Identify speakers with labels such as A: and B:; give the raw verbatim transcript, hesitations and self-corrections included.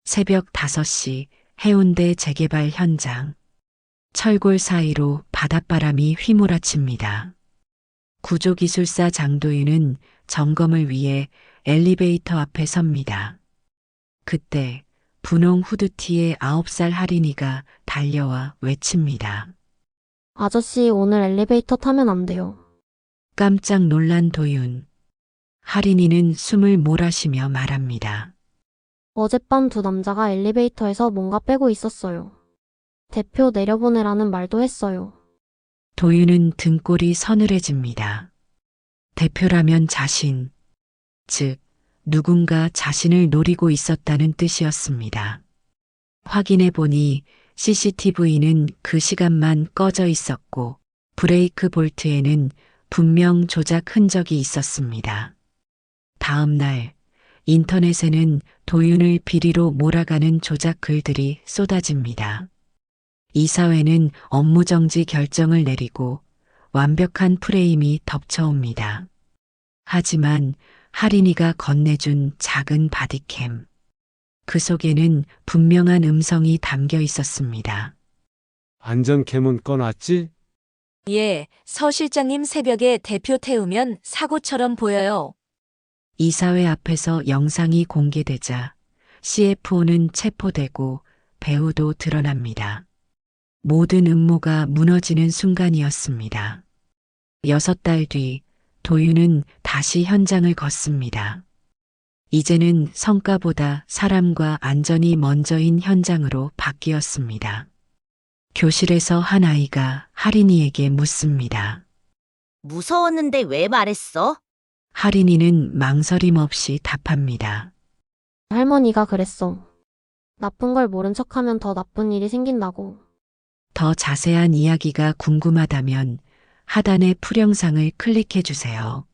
A: 새벽 다섯 시 해운대 재개발 현장. 철골 사이로 바닷바람이 휘몰아칩니다. 구조기술사 장도윤은 점검을 위해 엘리베이터 앞에 섭니다. 그때 분홍 후드티의 아홉 살 할인이가 달려와 외칩니다.
B: 아저씨, 오늘 엘리베이터 타면 안 돼요.
A: 깜짝 놀란 도윤. 할인이는 숨을 몰아쉬며 말합니다.
B: 어젯밤 두 남자가 엘리베이터에서 뭔가 빼고 있었어요. 대표 내려보내라는 말도 했어요.
A: 도윤은 등골이 서늘해집니다. 대표라면 자신, 즉 누군가 자신을 노리고 있었다는 뜻이었습니다. 확인해 보니 씨씨티비는 그 시간만 꺼져 있었고 브레이크 볼트에는 분명 조작 흔적이 있었습니다. 다음 날 인터넷에는 도윤을 비리로 몰아가는 조작 글들이 쏟아집니다. 이사회는 업무정지 결정을 내리고 완벽한 프레임이 덮쳐옵니다. 하지만 할인이가 건네준 작은 바디캠. 그 속에는 분명한 음성이 담겨 있었습니다.
C: 안전캠은 꺼놨지?
D: 예, 서 실장님 새벽에 대표 태우면 사고처럼 보여요.
A: 이사회 앞에서 영상이 공개되자 씨에프오는 체포되고 배우도 드러납니다. 모든 음모가 무너지는 순간이었습니다. 여섯 달 뒤 도윤은 다시 현장을 걷습니다. 이제는 성과보다 사람과 안전이 먼저인 현장으로 바뀌었습니다. 교실에서 한 아이가 할인이에게 묻습니다.
E: 무서웠는데 왜 말했어?
A: 할인이는 망설임 없이 답합니다.
B: 할머니가 그랬어. 나쁜 걸 모른 척하면 더 나쁜 일이 생긴다고.
A: 더 자세한 이야기가 궁금하다면 하단의 풀영상을 클릭해 주세요.